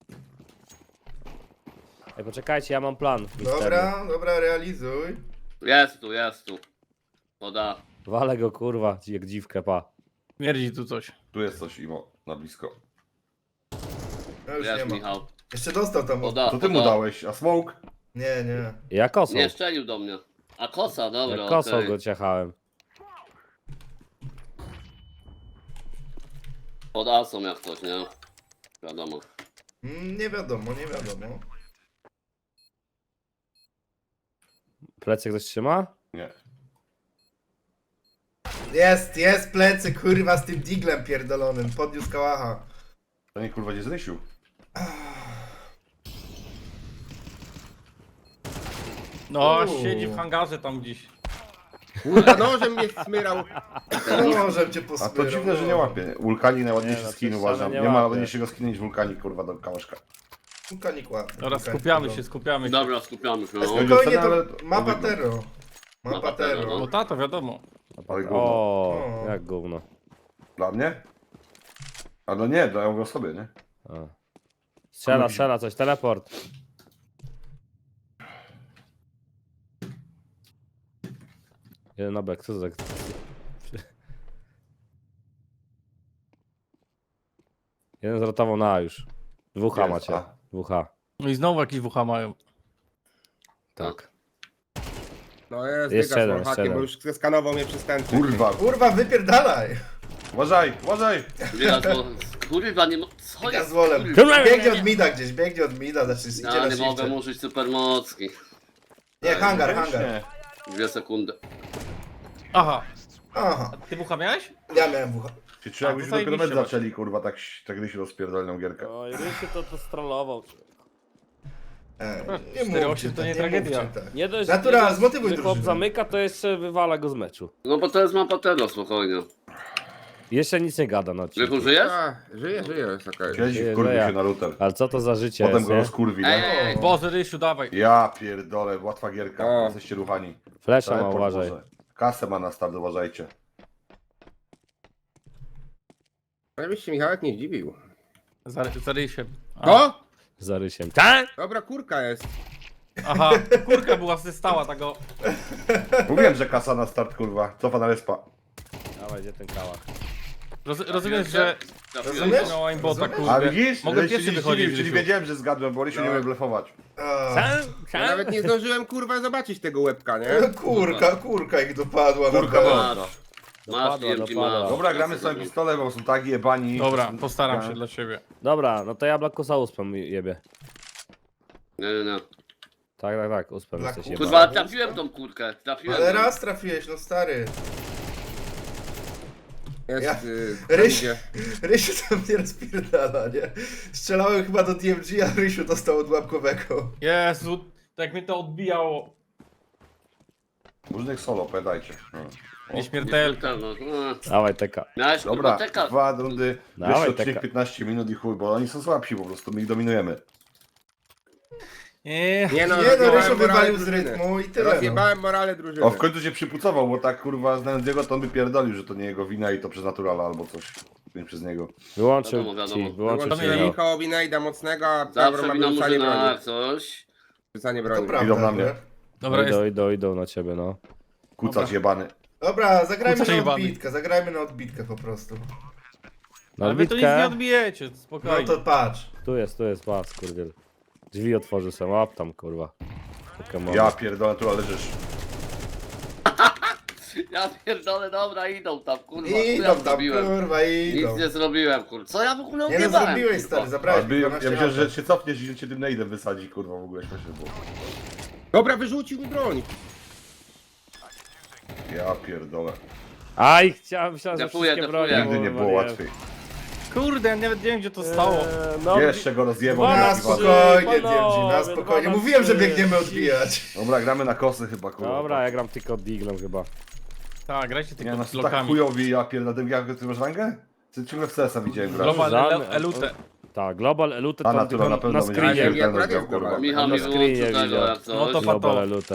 [SPEAKER 2] Ej, poczekajcie, ja mam plan. misterny.
[SPEAKER 1] Dobra, dobra, realizuj.
[SPEAKER 4] Jest tu, jest tu. Poda.
[SPEAKER 2] Walę go kurwa, jak dziwkę, pa.
[SPEAKER 6] Śmierdzi tu coś.
[SPEAKER 3] Tu jest coś, Imo, na blisko.
[SPEAKER 1] No już nie
[SPEAKER 4] Jest
[SPEAKER 1] ma.
[SPEAKER 4] Michał.
[SPEAKER 1] Jeszcze dostał tam.
[SPEAKER 4] Poda,
[SPEAKER 3] To ty mu
[SPEAKER 4] poda.
[SPEAKER 3] dałeś, a smoke?
[SPEAKER 1] Nie, nie.
[SPEAKER 2] Ja kosą.
[SPEAKER 4] Nie szczelił do mnie. A kosa, dobra,
[SPEAKER 2] Ja kosą
[SPEAKER 4] okej.
[SPEAKER 2] go ciachałem.
[SPEAKER 4] Pod asą jak coś, nie? Wiadomo.
[SPEAKER 1] Mm, nie wiadomo, nie wiadomo.
[SPEAKER 2] Plecy ktoś trzyma?
[SPEAKER 3] Nie.
[SPEAKER 1] Jest, jest plecy, kurwa, z tym diglem pierdolonym. Podniósł kałacha.
[SPEAKER 3] To nie kurwa gdzie zrysił.
[SPEAKER 6] No,
[SPEAKER 1] Uuu.
[SPEAKER 6] siedzi w hangarze tam gdzieś.
[SPEAKER 5] Kurwa, nożem mnie smyrał.
[SPEAKER 1] Możem cię
[SPEAKER 3] A
[SPEAKER 1] posmyrał.
[SPEAKER 3] to dziwne, że nie łapie. Wulkanik najładniejszy
[SPEAKER 2] Nie, no,
[SPEAKER 3] skin
[SPEAKER 2] przecież
[SPEAKER 3] uważam.
[SPEAKER 2] nie
[SPEAKER 3] Nie ma
[SPEAKER 2] łapie.
[SPEAKER 3] ładniejszego skina niż wulkanik kurwa do kałaszka.
[SPEAKER 1] Wulkanik ładny.
[SPEAKER 6] Dobra,
[SPEAKER 1] wulkanik
[SPEAKER 6] skupiamy
[SPEAKER 1] podobny.
[SPEAKER 6] się, skupiamy się.
[SPEAKER 4] Dobra, skupiamy się. No.
[SPEAKER 1] Spokojnie,
[SPEAKER 3] Ale-
[SPEAKER 1] to mapa
[SPEAKER 3] wygląd.
[SPEAKER 1] Tero. Mapa
[SPEAKER 4] Mapa Tero,
[SPEAKER 1] Tero.
[SPEAKER 6] No
[SPEAKER 4] no.
[SPEAKER 6] ta, to wiadomo.
[SPEAKER 3] Ale gówno.
[SPEAKER 2] O,
[SPEAKER 1] O.
[SPEAKER 2] jak gówno.
[SPEAKER 3] Dla mnie? A no nie, dają go sobie, nie?
[SPEAKER 2] A. Strzela, strzela coś, teleport. Jeden na bek, co to tak? Jeden zrotował na A już. Dwóch H
[SPEAKER 3] Jest,
[SPEAKER 2] macie.
[SPEAKER 3] A.
[SPEAKER 2] Dwóch H.
[SPEAKER 6] No i znowu jakieś wucha mają.
[SPEAKER 2] Tak.
[SPEAKER 5] No jest,
[SPEAKER 2] Jeszcze
[SPEAKER 5] dyga
[SPEAKER 2] jeden,
[SPEAKER 5] z
[SPEAKER 2] jeszcze
[SPEAKER 5] hakiem,
[SPEAKER 2] jeden.
[SPEAKER 5] bo już skanował mnie przez ten.
[SPEAKER 3] Kurwa,
[SPEAKER 1] Kurwa, wypierdalaj.
[SPEAKER 3] uważaj, uważaj!
[SPEAKER 4] Widać, bo kurwa nie mo... Co
[SPEAKER 1] Ja
[SPEAKER 4] jest?
[SPEAKER 1] z wolem.
[SPEAKER 4] Kurwa?
[SPEAKER 1] Biegnie od mida gdzieś, biegnie od mida, znaczy idzie
[SPEAKER 4] Ja
[SPEAKER 1] na
[SPEAKER 4] nie mogę
[SPEAKER 1] shifcie.
[SPEAKER 4] użyć supermocki.
[SPEAKER 1] Nie, hangar, hangar.
[SPEAKER 3] Nie.
[SPEAKER 4] Dwie sekundy.
[SPEAKER 6] Aha,
[SPEAKER 1] Aha,
[SPEAKER 6] ty wucha miałeś?
[SPEAKER 1] ja miałem wucha.
[SPEAKER 3] Czy trzeba
[SPEAKER 6] A,
[SPEAKER 3] jakbyś
[SPEAKER 6] to
[SPEAKER 3] dopiero mecz
[SPEAKER 6] zajebiście
[SPEAKER 3] zaczęli, kurwa, tak, tak gdy się rozpierdolną gierkę.
[SPEAKER 2] Oj, Rysiu to, to strollował.
[SPEAKER 1] E, nie
[SPEAKER 6] cztery
[SPEAKER 1] mówcie
[SPEAKER 6] osiem to
[SPEAKER 1] tak,
[SPEAKER 6] nie
[SPEAKER 1] nie
[SPEAKER 6] tragedia.
[SPEAKER 1] mówcie tak.
[SPEAKER 2] Nie dość,
[SPEAKER 1] Natura,
[SPEAKER 2] nie dość,
[SPEAKER 1] zmotywuj
[SPEAKER 2] że chłop
[SPEAKER 1] drużynę.
[SPEAKER 2] zamyka, to jeszcze wywala go z meczu.
[SPEAKER 4] No bo to jest mapa Tero, spokojnie.
[SPEAKER 2] Jeszcze nic nie gada na odcinku.
[SPEAKER 4] Rychu, żyjesz?
[SPEAKER 5] A, żyje, żyje, jest okej.
[SPEAKER 3] Kiedyś
[SPEAKER 2] Nie,
[SPEAKER 3] wkurwił
[SPEAKER 2] że ja.
[SPEAKER 3] się na router.
[SPEAKER 2] Ale co to za życie
[SPEAKER 3] Potem
[SPEAKER 2] jest,
[SPEAKER 3] go
[SPEAKER 2] nie?
[SPEAKER 3] rozkurwi,
[SPEAKER 4] Ej,
[SPEAKER 3] nie?
[SPEAKER 4] ej, ej.
[SPEAKER 6] Boże, Rysiu, dawaj.
[SPEAKER 3] Ja pierdolę, łatwa gierka,
[SPEAKER 5] O.
[SPEAKER 3] jesteście ruchani.
[SPEAKER 2] Flesza ma,
[SPEAKER 3] Teleport
[SPEAKER 2] uważaj.
[SPEAKER 3] może. Kasę ma na start, uważajcie.
[SPEAKER 5] Ale byś się Michałek nie zdziwił.
[SPEAKER 6] Za, za Rysiem. A,
[SPEAKER 5] O!
[SPEAKER 2] Za Rysiem. Tak?
[SPEAKER 5] Dobra, kurka jest.
[SPEAKER 6] Aha, kurka była stała tego.
[SPEAKER 3] Mówiłem, że kasa na start, kurwa. Cofa na respa.
[SPEAKER 2] Dawaj, gdzie ten kałach?
[SPEAKER 6] Roz, rozumiesz, że
[SPEAKER 1] Rozumiesz?
[SPEAKER 6] miał aimbota,
[SPEAKER 1] Rozumiesz?
[SPEAKER 3] A
[SPEAKER 6] kurde.
[SPEAKER 3] widzisz?
[SPEAKER 6] Mogę
[SPEAKER 3] Że się
[SPEAKER 6] pierwszy
[SPEAKER 3] nie
[SPEAKER 6] wychodzić,
[SPEAKER 3] zdziwił, czyli
[SPEAKER 6] Rysiu.
[SPEAKER 3] wiedziałem, że zgadłem, bo Rysiu nie umie blefować.
[SPEAKER 1] A,
[SPEAKER 2] Sam,
[SPEAKER 5] Ja
[SPEAKER 2] sam.
[SPEAKER 5] nawet nie zdążyłem kurwa zobaczyć tego łebka, nie?
[SPEAKER 1] no kurka, kurka ich dopadła.
[SPEAKER 3] Kurka
[SPEAKER 1] naprawdę.
[SPEAKER 3] mocno.
[SPEAKER 4] Masz,
[SPEAKER 2] Dopadła,
[SPEAKER 4] D M G
[SPEAKER 2] dopadła.
[SPEAKER 4] masz.
[SPEAKER 3] Dobra, gramy z samym pistolet, bo są tak jebani.
[SPEAKER 6] Dobra, postaram
[SPEAKER 3] Ja.
[SPEAKER 6] się dla ciebie.
[SPEAKER 2] Dobra, no to ja Blackusa uspem jebie.
[SPEAKER 4] Nie, nie, nie.
[SPEAKER 2] Tak, tak, tak, uspem
[SPEAKER 1] Blackus.
[SPEAKER 2] jesteś
[SPEAKER 4] Kurwa,
[SPEAKER 2] jebany.
[SPEAKER 4] trafiłem tą kurkę. Trafiłem.
[SPEAKER 1] Ale
[SPEAKER 4] ją.
[SPEAKER 1] raz trafiłeś, no stary.
[SPEAKER 5] Jest,
[SPEAKER 1] Ja-
[SPEAKER 5] y,
[SPEAKER 1] Ryś-
[SPEAKER 5] idzie.
[SPEAKER 1] Rysiu tam nie rozpierdala, nie? Strzelałem chyba do D M G, a Rysiu dostał od łapkowego.
[SPEAKER 6] Jezu, tak mnie to odbijało.
[SPEAKER 3] Różnych solo, pamiętajcie. No.
[SPEAKER 6] Nieśmiertelka.
[SPEAKER 4] No,
[SPEAKER 2] Dawaj, teka.
[SPEAKER 4] miałeś kurwa
[SPEAKER 3] Dobra,
[SPEAKER 4] teka.
[SPEAKER 3] dwa rundy,
[SPEAKER 2] Dawaj,
[SPEAKER 3] wyższy odcinek
[SPEAKER 2] taka.
[SPEAKER 3] piętnaście minut i chuj, bo oni są słabsi po prostu, my ich dominujemy.
[SPEAKER 6] Nie,
[SPEAKER 5] Nie no,
[SPEAKER 1] Nie no,
[SPEAKER 5] rozjebałem
[SPEAKER 1] Rysiu
[SPEAKER 5] morale
[SPEAKER 1] wywalił z
[SPEAKER 5] drużyny.
[SPEAKER 1] rytmu i tyle. No.
[SPEAKER 5] Rozjebałem morale drużyny.
[SPEAKER 3] O, w końcu się przypucował, bo tak kurwa znając jego, to on by pierdolił, że to nie jego wina i to przez naturala albo coś. Nie przez niego.
[SPEAKER 2] Wyłączył
[SPEAKER 4] Wiadomo, wiadomo.
[SPEAKER 2] ci, wyłączył ci.
[SPEAKER 5] Wyłączyłem
[SPEAKER 2] Michał.
[SPEAKER 5] Michałowi najda mocnego, a Pewor
[SPEAKER 4] Zawsze
[SPEAKER 5] ma
[SPEAKER 4] wina
[SPEAKER 5] wyrzucanie
[SPEAKER 4] murzyna,
[SPEAKER 5] broni.
[SPEAKER 4] jak coś.
[SPEAKER 5] Wyrzucanie
[SPEAKER 1] To
[SPEAKER 5] broni.
[SPEAKER 1] prawda.
[SPEAKER 3] Idą na mnie.
[SPEAKER 1] nie?
[SPEAKER 6] dobra, jest.
[SPEAKER 2] Idą, idą, idą na ciebie, no.
[SPEAKER 3] Kucacz jebany.
[SPEAKER 1] Dobra, zagrajmy
[SPEAKER 6] Kurczę,
[SPEAKER 1] na
[SPEAKER 6] jebany.
[SPEAKER 1] odbitkę, zagrajmy na odbitkę po prostu.
[SPEAKER 2] Na
[SPEAKER 6] Ale wy to nic nie
[SPEAKER 2] odbitkę.
[SPEAKER 6] odbijecie,
[SPEAKER 1] No
[SPEAKER 6] spokojnie.
[SPEAKER 1] to patrz.
[SPEAKER 2] Tu jest, tu jest pas, kurwiel. Drzwi otworzy sam, łap tam, kurwa. Pokemon.
[SPEAKER 3] Ja pierdolę, tu leżysz.
[SPEAKER 4] Ja pierdolę, dobra, idą tam, kurwa. Co
[SPEAKER 1] Idą
[SPEAKER 4] ja
[SPEAKER 1] tam,
[SPEAKER 4] zrobiłem?
[SPEAKER 1] kurwa, idą.
[SPEAKER 4] Nic nie zrobiłem, kurwa. Co ja w ogóle
[SPEAKER 1] Nie no,
[SPEAKER 4] odjebałem,
[SPEAKER 1] zrobiłeś,
[SPEAKER 4] kurwa?
[SPEAKER 1] stary,
[SPEAKER 3] A
[SPEAKER 1] zabrałeś
[SPEAKER 3] by,
[SPEAKER 1] mi
[SPEAKER 3] ja
[SPEAKER 1] dwanaście
[SPEAKER 3] myślałem, że
[SPEAKER 1] lat.
[SPEAKER 3] się cofniesz i cię tym nade'em wysadzi, kurwa, w ogóle śmiesznie było.
[SPEAKER 5] Dobra, wyrzucił mi broń.
[SPEAKER 3] Ja pierdolę.
[SPEAKER 2] Aj, chciałem, myślałem, że
[SPEAKER 4] Defuję,
[SPEAKER 2] wszystkie
[SPEAKER 4] defuję.
[SPEAKER 2] bronie.
[SPEAKER 3] Nigdy nie było
[SPEAKER 2] kurwa,
[SPEAKER 3] łatwiej.
[SPEAKER 6] Kurde, ja nawet nie wiem gdzie to stało.
[SPEAKER 2] Eee, no,
[SPEAKER 3] Jeszcze go rozjebał.
[SPEAKER 2] Dwa
[SPEAKER 1] Na
[SPEAKER 3] na
[SPEAKER 2] trzy,
[SPEAKER 3] piwa.
[SPEAKER 1] spokojnie,
[SPEAKER 2] panowie,
[SPEAKER 1] D M G, na
[SPEAKER 2] dwa
[SPEAKER 1] spokojnie.
[SPEAKER 2] na
[SPEAKER 1] Mówiłem, że
[SPEAKER 2] trzy.
[SPEAKER 1] biegniemy odbijać.
[SPEAKER 3] Dobra, gramy na kosy chyba, kurwa.
[SPEAKER 2] Dobra, ja gram tylko Diglem chyba.
[SPEAKER 6] Tak, grajcie
[SPEAKER 3] Nie,
[SPEAKER 6] tylko
[SPEAKER 3] no
[SPEAKER 6] z
[SPEAKER 3] są tak
[SPEAKER 6] blokami.
[SPEAKER 3] chujowi, ja pierdolę. Jak ty masz rangę? Ty ciągle w C S a widziałem grać.
[SPEAKER 6] Global
[SPEAKER 2] Żadne-
[SPEAKER 6] elu- elute.
[SPEAKER 2] Tak, Global Elute
[SPEAKER 3] A
[SPEAKER 2] to
[SPEAKER 3] natura na
[SPEAKER 2] tylko
[SPEAKER 3] pewno
[SPEAKER 2] na
[SPEAKER 3] będzie
[SPEAKER 2] screenie.
[SPEAKER 3] śmiertelność
[SPEAKER 5] akurat
[SPEAKER 3] miał,
[SPEAKER 5] jest
[SPEAKER 3] kurwa.
[SPEAKER 5] global.
[SPEAKER 4] Michał
[SPEAKER 2] Na
[SPEAKER 4] mi
[SPEAKER 2] screenie
[SPEAKER 4] wyłączył tego,
[SPEAKER 2] widział.
[SPEAKER 4] jak coś.
[SPEAKER 6] No to
[SPEAKER 2] Global
[SPEAKER 6] fato.
[SPEAKER 2] Elute.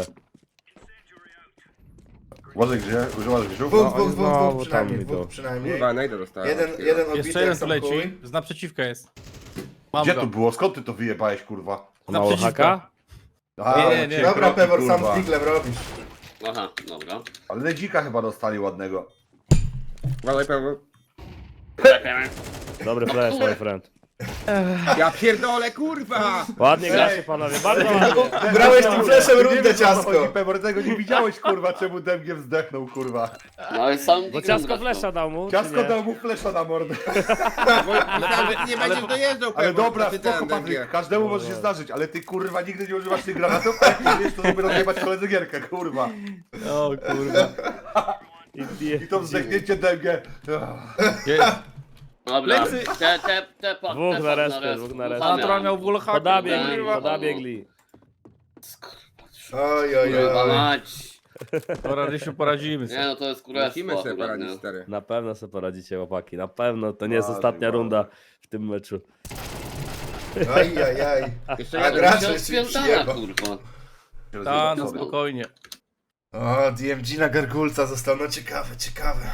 [SPEAKER 3] Uważaj gdzie, używasz grzów?
[SPEAKER 1] Dwóch,
[SPEAKER 3] No,
[SPEAKER 1] dwóch, dwóch,
[SPEAKER 2] znowu
[SPEAKER 1] dwóch
[SPEAKER 2] tam
[SPEAKER 1] przynajmniej,
[SPEAKER 2] idą.
[SPEAKER 1] dwóch przynajmniej.
[SPEAKER 5] Kurwa, najda dostałem.
[SPEAKER 1] Jeden,
[SPEAKER 5] Takiego.
[SPEAKER 1] jeden odbity
[SPEAKER 6] Jeszcze jeden
[SPEAKER 1] jak
[SPEAKER 6] tu
[SPEAKER 1] sam
[SPEAKER 6] leci.
[SPEAKER 1] chuj.
[SPEAKER 6] Z naprzeciwka jest. Mam
[SPEAKER 3] Gdzie
[SPEAKER 6] go.
[SPEAKER 3] to było? Skąd ty to wyjebałeś, kurwa?
[SPEAKER 2] Mało
[SPEAKER 6] Naprzeciwko.
[SPEAKER 2] haka?
[SPEAKER 3] A,
[SPEAKER 6] Nie, nie, nie.
[SPEAKER 3] cię
[SPEAKER 1] Dobra,
[SPEAKER 3] kroki,
[SPEAKER 1] Pewor, sam
[SPEAKER 3] kurwa.
[SPEAKER 1] z Diglem robisz.
[SPEAKER 4] Aha, dobra.
[SPEAKER 3] Ale Nedzika chyba dostali ładnego.
[SPEAKER 5] Uważaj, Pewor.
[SPEAKER 2] Dobry flash, my friend.
[SPEAKER 5] Ja pierdolę, kurwa!
[SPEAKER 2] Ładnie gracie panowie, bardzo ładnie.
[SPEAKER 1] Brałeś tym flashem
[SPEAKER 3] Nie
[SPEAKER 1] rundę,
[SPEAKER 3] wiem, o co
[SPEAKER 1] ciasko.
[SPEAKER 3] chodzi, Pewor, tego nie widziałeś, kurwa, czemu Demgiem zdechnął, kurwa.
[SPEAKER 4] No ale sam
[SPEAKER 2] Bo
[SPEAKER 4] Diglem
[SPEAKER 2] ciasko
[SPEAKER 4] zresztą.
[SPEAKER 2] flesza dał mu, czy
[SPEAKER 3] Ciasko
[SPEAKER 2] nie?
[SPEAKER 3] dał mu flesza na mordę.
[SPEAKER 5] Bo myślałem, że ty nie będziesz dojeżdżał,
[SPEAKER 3] Ale
[SPEAKER 5] Pewor.
[SPEAKER 3] dobra,
[SPEAKER 5] zapytałem
[SPEAKER 3] spoko,
[SPEAKER 5] D M G.
[SPEAKER 3] Patryk, każdemu może się zdarzyć, ale ty, kurwa, nigdy nie używasz tych granatów, a jak nie wiesz, to żeby rozjebać koledzy gierkę, kurwa.
[SPEAKER 6] O kurwa.
[SPEAKER 3] I to zdechnięcie Demgie.
[SPEAKER 6] Jest.
[SPEAKER 4] Dobra,
[SPEAKER 6] Plecy.
[SPEAKER 4] te, te, te, pa-
[SPEAKER 2] Dwóch
[SPEAKER 4] te
[SPEAKER 2] na
[SPEAKER 4] pa-
[SPEAKER 2] respie,
[SPEAKER 4] res-
[SPEAKER 2] dwóch na
[SPEAKER 4] dwóch
[SPEAKER 2] respie.
[SPEAKER 6] A
[SPEAKER 4] zamian.
[SPEAKER 6] natural miał wallhacka.
[SPEAKER 2] Podabiegli,
[SPEAKER 4] kurwa.
[SPEAKER 2] podabiegli.
[SPEAKER 1] Oj, oj,
[SPEAKER 4] Kurwa
[SPEAKER 1] oj.
[SPEAKER 4] mać.
[SPEAKER 6] Dobra, Rysiu, poradzimy
[SPEAKER 4] Nie
[SPEAKER 6] sobie.
[SPEAKER 4] no, to jest królestwo
[SPEAKER 5] Musimy sobie
[SPEAKER 4] akurat,
[SPEAKER 5] poradzić,
[SPEAKER 4] nie?
[SPEAKER 5] stary.
[SPEAKER 2] Na pewno sobie poradzicie, chłopaki, na pewno. To nie jest
[SPEAKER 3] Ładnie,
[SPEAKER 2] ostatnia
[SPEAKER 3] ładnie.
[SPEAKER 2] runda w tym meczu.
[SPEAKER 1] Aj, aj, aj.
[SPEAKER 5] Jeszcze
[SPEAKER 1] A
[SPEAKER 5] jeden.
[SPEAKER 1] gra-
[SPEAKER 4] To
[SPEAKER 1] Gracze
[SPEAKER 4] jest
[SPEAKER 1] się
[SPEAKER 4] spierdala,
[SPEAKER 1] przyjebał.
[SPEAKER 4] kurwa.
[SPEAKER 6] Ta, no
[SPEAKER 3] Sobie.
[SPEAKER 6] spokojnie.
[SPEAKER 1] O, D M G na gargulca został, no ciekawe, ciekawe.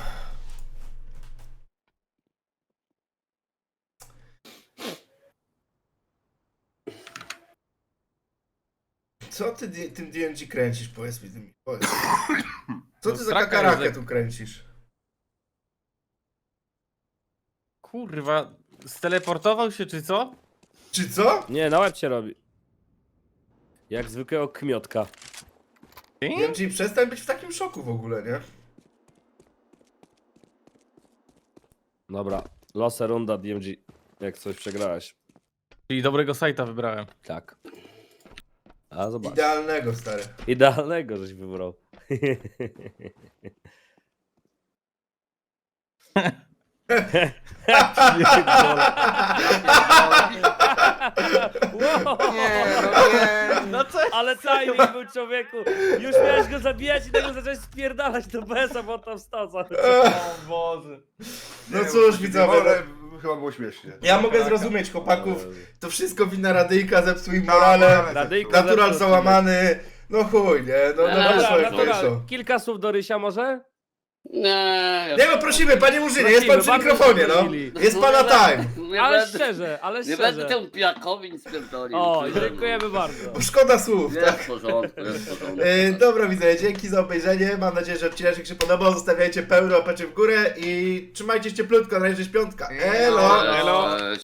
[SPEAKER 1] Co ty di- tym D M G kręcisz, powiedz mi, tym, powiedz. Co ty
[SPEAKER 6] No,
[SPEAKER 1] za
[SPEAKER 6] straka
[SPEAKER 1] kakarakę
[SPEAKER 6] jest,
[SPEAKER 1] tu kręcisz?
[SPEAKER 6] Kurwa, steleportował się czy co?
[SPEAKER 1] Czy co?
[SPEAKER 2] Nie, na łeb się robi. Jak zwykłego kmiotka.
[SPEAKER 1] D M G, przestań być w takim szoku w ogóle, nie?
[SPEAKER 2] Dobra, losę runda D M G. Jak coś przegrałeś.
[SPEAKER 6] Czyli dobrego sajta wybrałem.
[SPEAKER 2] Tak. A zobacz.
[SPEAKER 1] Idealnego, stary.
[SPEAKER 2] Idealnego żeś wybrał. Wow.
[SPEAKER 5] Nie, no nie.
[SPEAKER 6] No co?
[SPEAKER 2] Ale timing był, człowieku. Już miałeś go zabijać i tego zacząłeś spierdalać do besa, bo on tam stał cały czas.
[SPEAKER 6] O Boże.
[SPEAKER 1] No cóż, widzowie,
[SPEAKER 3] Ale
[SPEAKER 1] no,
[SPEAKER 3] chyba było śmiesznie.
[SPEAKER 1] ja mogę zrozumieć chłopaków, to wszystko wina Radyjka, zepsuł im morale,
[SPEAKER 2] Radyjko
[SPEAKER 1] natural
[SPEAKER 2] zepsuł.
[SPEAKER 1] załamany, no chuj, nie, no, no
[SPEAKER 4] Dobra,
[SPEAKER 1] wyszło jak
[SPEAKER 2] Natural,
[SPEAKER 1] wyszło.
[SPEAKER 2] kilka słów do Rysia może?
[SPEAKER 4] Nie, ja...
[SPEAKER 1] Nie no, prosimy, panie Murzynie, jest pan przy
[SPEAKER 2] Prosimy,
[SPEAKER 1] mikrofonie,
[SPEAKER 2] bardzo
[SPEAKER 1] no.
[SPEAKER 2] prosili.
[SPEAKER 1] Jest pana time.
[SPEAKER 4] Nie
[SPEAKER 2] Ale
[SPEAKER 4] będę,
[SPEAKER 2] szczerze, ale
[SPEAKER 4] nie
[SPEAKER 2] szczerze.
[SPEAKER 4] będę temu pijakowi nic pierdolił.
[SPEAKER 2] O,
[SPEAKER 4] Kurde, no.
[SPEAKER 2] dziękujemy bardzo.
[SPEAKER 1] Bo szkoda słów,
[SPEAKER 4] Jest
[SPEAKER 1] tak?
[SPEAKER 4] w porządku, jest w porządku.
[SPEAKER 1] Yy, dobra, widzę, dzięki za obejrzenie. Mam nadzieję, że odcinek się podobał. Zostawiajcie pełno opeczy w górę i trzymajcie się cieplutko, na razie śpiątka. Elo!
[SPEAKER 4] Elo. Cześć.